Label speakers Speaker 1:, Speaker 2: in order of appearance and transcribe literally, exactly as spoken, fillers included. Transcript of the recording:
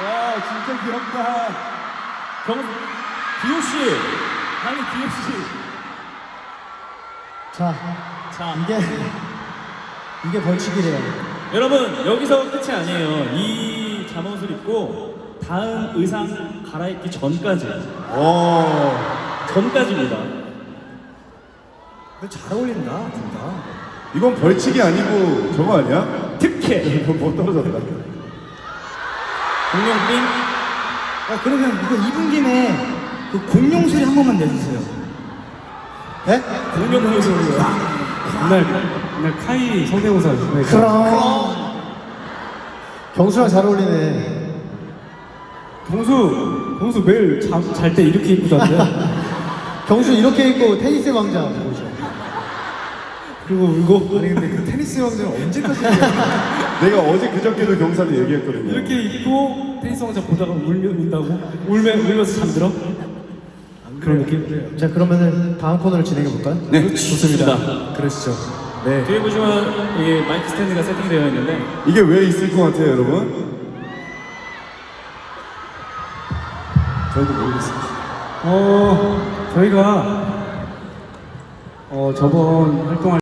Speaker 1: 와, 진짜 귀엽다.
Speaker 2: 경, 기호씨! 아니, 기호씨!
Speaker 3: 자,
Speaker 2: 자,
Speaker 3: 이게 이게 벌칙이래요.
Speaker 2: 여러분, 여기서 끝이 아니에요. 이 잠옷을 입고 다음 의상 갈아입기 전까지.
Speaker 1: 오.
Speaker 2: 전까지입니다.
Speaker 3: 근데 잘 어울린다, 둘 다.
Speaker 1: 이건 벌칙이 아니고 저거 아니야?
Speaker 2: 특혜!
Speaker 1: 이건 뭐 떨어졌다.
Speaker 2: 공룡빙?
Speaker 3: 아, 그러면 이거 입은 김에 그 공룡 소리 한 번만 내주세요. 네?
Speaker 2: 공룡 소리요.
Speaker 4: 그날 그날 카이 성대모사 네,
Speaker 3: 그럼. 경수랑 잘 어울리네.
Speaker 4: 경수 경수 매일 잘 때 이렇게 입고 잤대.
Speaker 3: 경수 이렇게 입고 테니스 왕자 보죠.
Speaker 4: 그리고 울고
Speaker 3: 아니 근데 그 테니스 왕자는 언제까지 해요?
Speaker 1: 내가 어제 그저께도 경사한테 얘기했거든요.
Speaker 4: 이렇게 입고 테니스 왕자 보다가 울면 운다고 울면 울면서 잠들어? 그런 느낌?
Speaker 3: 자, 그러면은 다음 코너를 진행해 볼까요?
Speaker 1: 네,
Speaker 2: 좋습니다.
Speaker 3: 그러시죠. 네.
Speaker 2: 뒤에 보시면 이 마이크 스탠드가 세팅되어 있는데
Speaker 1: 이게 왜 있을 것 같아요, 여러분? 저희도 모르겠어요.
Speaker 4: 어 저희가 어 저번 활동할